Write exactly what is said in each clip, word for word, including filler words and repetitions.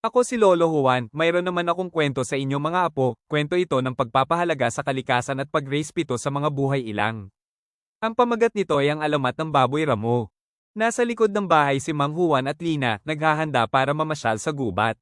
Ako si Lolo Juan, mayroon naman akong kwento sa inyo mga apo, kwento ito ng pagpapahalaga sa kalikasan at pagrespeto sa mga buhay ilang. Ang pamagat nito ay ang alamat ng baboy ramo. Nasa likod ng bahay si Mang Juan at Lina, naghahanda para mamasyal sa gubat.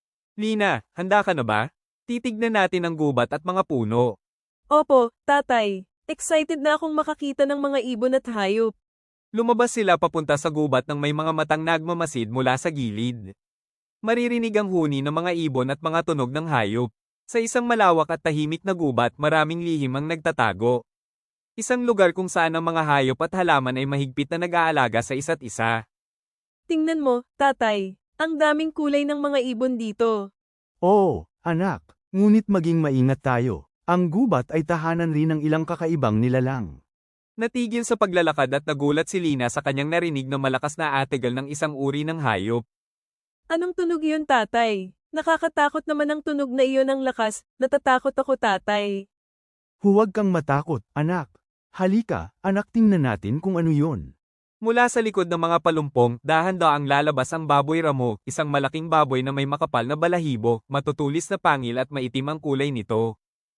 Lina, handa ka na ba? Titignan natin ang gubat at mga puno. Opo, tatay. Excited na akong makakita ng mga ibon at hayop. Lumabas sila papunta sa gubat ng may mga matang nagmamasid mula sa gilid. Maririnig ang huni ng mga ibon at mga tunog ng hayop. Sa isang malawak at tahimik na gubat, maraming lihim ang nagtatago. Isang lugar kung saan ang mga hayop at halaman ay mahigpit na nag-aalaga sa isa't isa. Tingnan mo, tatay. Ang daming kulay ng mga ibon dito. Oo, anak. Ngunit maging maingat tayo. Ang gubat ay tahanan rin ng ilang kakaibang nilalang. Natigil sa paglalakad at nagulat si Lina sa kanyang narinig na malakas na ategal ng isang uri ng hayop. Anong tunog yun, tatay? Nakakatakot naman ang tunog na iyon ng lakas. Natatakot ako, tatay. Huwag kang matakot, anak. Halika, anak, tingnan natin kung ano yun. Mula sa likod ng mga palumpong, dahan-daang lalabas ang baboy ramo, isang malaking baboy na may makapal na balahibo, matutulis na pangil at maitim ang kulay nito.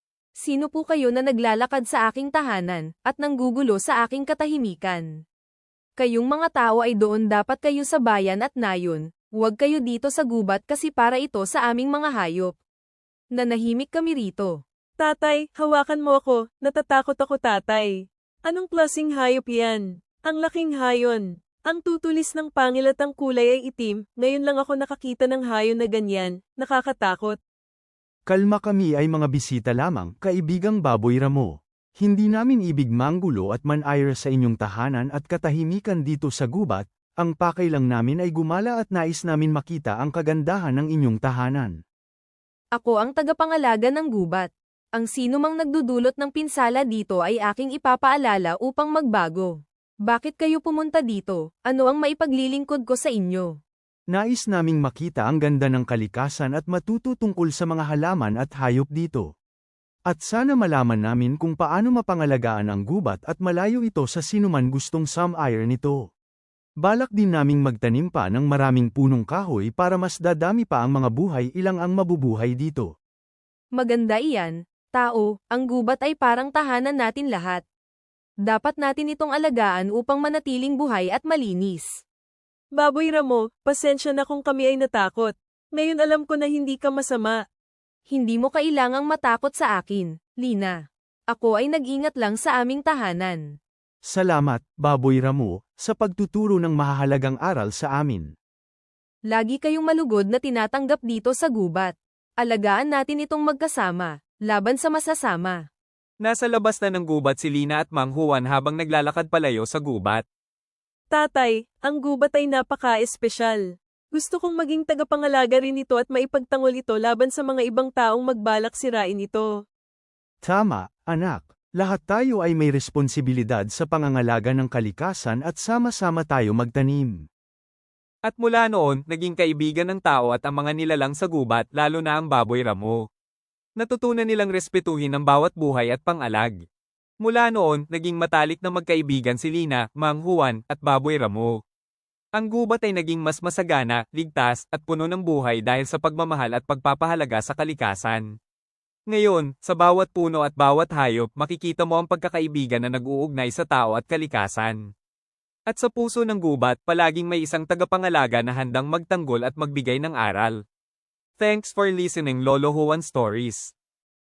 Sino po kayo na naglalakad sa aking tahanan, at nanggugulo sa aking katahimikan? Kayong mga tao ay doon dapat kayo sa bayan at nayon, huwag kayo dito sa gubat kasi para ito sa aming mga hayop. Nanahimik kami rito. Tatay, hawakan mo ako. Natatakot ako, tatay. Anong klaseng hayop yan? Ang laking hayon. Ang tutulis ng pangil at ang kulay ay itim. Ngayon lang ako nakakita ng hayon na ganyan. Nakakatakot. Kalma, kami ay mga bisita lamang, kaibigang baboy ramo. Hindi namin ibig manggulo at manayra sa inyong tahanan at katahimikan dito sa gubat, ang pakay lang namin ay gumala at nais namin makita ang kagandahan ng inyong tahanan. Ako ang tagapangalaga ng gubat. Ang sino mang nagdudulot ng pinsala dito ay aking ipapaalala upang magbago. Bakit kayo pumunta dito? Ano ang maipaglilingkod ko sa inyo? Nais naming makita ang ganda ng kalikasan at matuto tungkol sa mga halaman at hayop dito. At sana malaman namin kung paano mapangalagaan ang gubat at malayo ito sa sinuman gustong sum-air nito. Balak din naming magtanim pa ng maraming punong kahoy para mas dadami pa ang mga buhay ilang ang mabubuhay dito. Maganda iyan, tao, ang gubat ay parang tahanan natin lahat. Dapat natin itong alagaan upang manatiling buhay at malinis. Baboy ramo, pasensya na kung kami ay natakot. Ngayon alam ko na hindi ka masama. Hindi mo kailangang matakot sa akin, Lina. Ako ay nag-ingat lang sa aming tahanan. Salamat, baboy ramo, sa pagtuturo ng mahahalagang aral sa amin. Lagi kayong malugod na tinatanggap dito sa gubat. Alagaan natin itong magkasama, laban sa masasama. Nasa labas na ng gubat si Lina at Mang Juan habang naglalakad palayo sa gubat. Tatay, ang gubat ay napaka-espesyal. Gusto kong maging tagapangalaga rin ito at maipagtanggol ito laban sa mga ibang taong magbalak sirain ito. Tama, anak. Lahat tayo ay may responsibilidad sa pangangalaga ng kalikasan at sama-sama tayo magtanim. At mula noon, naging kaibigan ng tao at ang mga nilalang sa gubat, lalo na ang baboy ramo. Natutunan nilang respetuhin ang bawat buhay at pangalag. Mula noon, naging matalik na magkaibigan si Lina, Mang Juan, at baboy ramo. Ang gubat ay naging mas masagana, ligtas, at puno ng buhay dahil sa pagmamahal at pagpapahalaga sa kalikasan. Ngayon, sa bawat puno at bawat hayop, makikita mo ang pagkakaibigan na nag-uugnay sa tao at kalikasan. At sa puso ng gubat, palaging may isang tagapangalaga na handang magtanggol at magbigay ng aral. Thanks for listening, Lolo Juan Stories.